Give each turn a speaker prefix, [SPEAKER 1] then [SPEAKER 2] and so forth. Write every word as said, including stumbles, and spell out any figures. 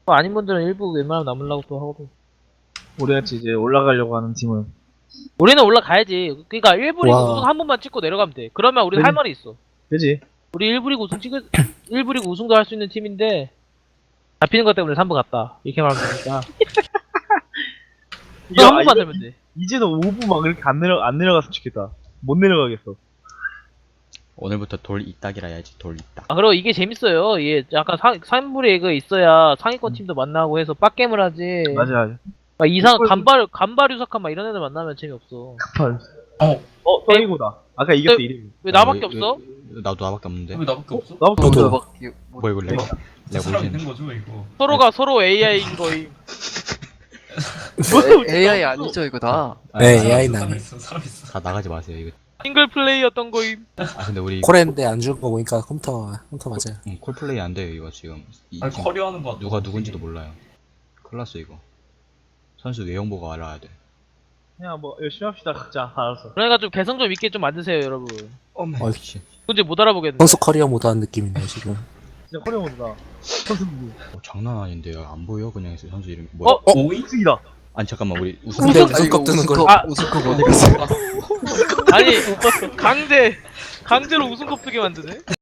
[SPEAKER 1] 아닌 분들은 일부 웬만하면 남으려고 또 하거든.
[SPEAKER 2] 우리같이 이제 올라가려고 하는 팀은
[SPEAKER 1] 우리는 올라가야지. 그니까 일 부 리그
[SPEAKER 3] 와.
[SPEAKER 1] 우승 한 번만 찍고 내려가면 돼. 그러면 우리 할
[SPEAKER 2] 그지.
[SPEAKER 1] 말이 있어.
[SPEAKER 2] 그지?
[SPEAKER 1] 우리 일 부 리그 우승 찍을, 일 부 리그 우승도 할 수 있는 팀인데, 잡히는 것 때문에 삼 부 갔다. 이렇게 말하면 되니까. 이거 한 번만 되면 돼.
[SPEAKER 2] 이제는 오 부 막 이렇게 안 내려 안 내려갔으면 좋겠다. 못 내려가겠어.
[SPEAKER 4] 오늘부터 돌 이딱이라 해야지. 돌 이딱.
[SPEAKER 1] 아, 그리고 이게 재밌어요. 이게 약간 상, 삼 부 리그 있어야 상위권 팀도 만나고 해서 빡겜을 하지.
[SPEAKER 2] 맞아 맞아.
[SPEAKER 1] 막 이상, 간발, 간발 유삭한 막 이런 애들 만나면 재미없어.
[SPEAKER 2] 급한.
[SPEAKER 5] 어.
[SPEAKER 2] 어 서이고다. 아까 이겼어
[SPEAKER 1] 네.
[SPEAKER 2] 이름이.
[SPEAKER 1] 왜 나밖에
[SPEAKER 4] 왜-
[SPEAKER 1] 없어?
[SPEAKER 4] 왜- 나도 나밖에 없는데.
[SPEAKER 5] 왜 나밖에 없어?
[SPEAKER 2] 나부터
[SPEAKER 3] 저도.
[SPEAKER 2] 먼저.
[SPEAKER 4] 뭐야 이거 레고? 레고
[SPEAKER 5] 사람
[SPEAKER 4] 보이는.
[SPEAKER 5] 있는 거죠 이거.
[SPEAKER 1] 서로가 서로 에이아이인 거임.
[SPEAKER 6] 에이아이 아니죠 이거 다.
[SPEAKER 3] 네,
[SPEAKER 5] 사람
[SPEAKER 3] 에이아이
[SPEAKER 5] 있어,
[SPEAKER 3] 나네.
[SPEAKER 5] 사람 있어 사람 있어.
[SPEAKER 4] 다 나가지 마세요 이거.
[SPEAKER 1] 싱글 플레이였던 거임.
[SPEAKER 4] 아 근데 우리
[SPEAKER 3] 코레인데 안 죽은 거 보니까 컴퓨터 컴퓨터 맞아요.
[SPEAKER 4] 음, 콜플레이 안 돼요 이거 지금. 이,
[SPEAKER 5] 아니
[SPEAKER 4] 지금
[SPEAKER 5] 커리어 하는 거 같아.
[SPEAKER 4] 누가 누군지도 몰라요. 큰일 났어 이거. 선수 외형보가 알아야 돼.
[SPEAKER 2] 그냥 뭐 열심히 합시다 진짜. 알았어.
[SPEAKER 1] 그러니까 좀 개성 좀 있게 좀 만드세요, 여러분.
[SPEAKER 4] 어메.
[SPEAKER 3] 어이.
[SPEAKER 4] 씨.
[SPEAKER 1] 문제 못 알아보겠네.
[SPEAKER 3] 선수 커리어 모드 한 느낌이네요 지금.
[SPEAKER 2] 진짜 코리아 모드다. 선수 누구?
[SPEAKER 4] 어, 장난 아닌데요. 안 보여 그냥 해서 선수 이름이 뭐야?
[SPEAKER 1] 어?
[SPEAKER 5] 오이?
[SPEAKER 2] 우승이다.
[SPEAKER 4] 아니 잠깐만 우리 우승.
[SPEAKER 3] 근데
[SPEAKER 6] 아이고,
[SPEAKER 3] 우승컵 뜨는 걸.
[SPEAKER 6] 우승컵,
[SPEAKER 1] 아.
[SPEAKER 6] 우승컵 어디 갔어?
[SPEAKER 1] 아니, 강제, 강제로 우승컵 뜨게 만드네?